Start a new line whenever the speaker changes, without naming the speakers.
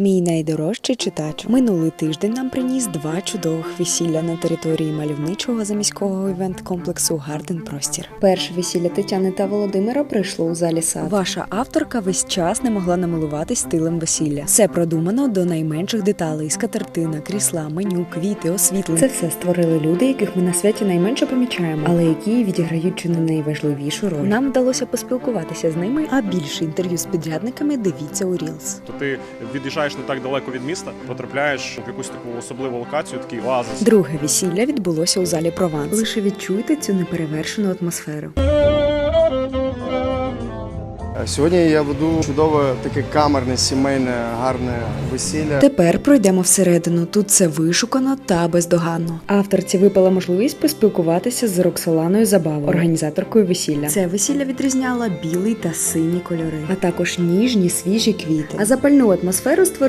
Мій найдорожчий читач. Минулий тиждень нам приніс 2 чудових весілля на території мальовничого заміського івент-комплексу «Гарден Простір». Перше весілля Тетяни та Володимира пройшло у залі «Сад». Ваша авторка весь час не могла намилуватись стилем весілля. Все продумано до найменших деталей: скатертина, крісла, меню, квіти, освітлення. Це все створили люди, яких ми на святі найменше помічаємо, але які відіграють чи не найважливішу роль. Нам вдалося поспілкуватися з ними, а більше інтерв'ю з підрядниками дивіться у Reels.
То ти від'їжджаєш не так далеко від міста, потрапляєш в якусь таку особливу локацію, такий оазис.
Друге весілля відбулося у залі «Прованс». Лише відчуйте цю неперевершену атмосферу.
Сьогодні я веду чудове таке камерне, сімейне, гарне весілля.
Тепер пройдемо всередину. Тут все вишукано та бездоганно. Авторці випала можливість поспілкуватися з Роксоланою Забавою, організаторкою весілля. Це весілля відрізняло білий та синій кольори, а також ніжні, свіжі квіти. А запальну атмосферу створили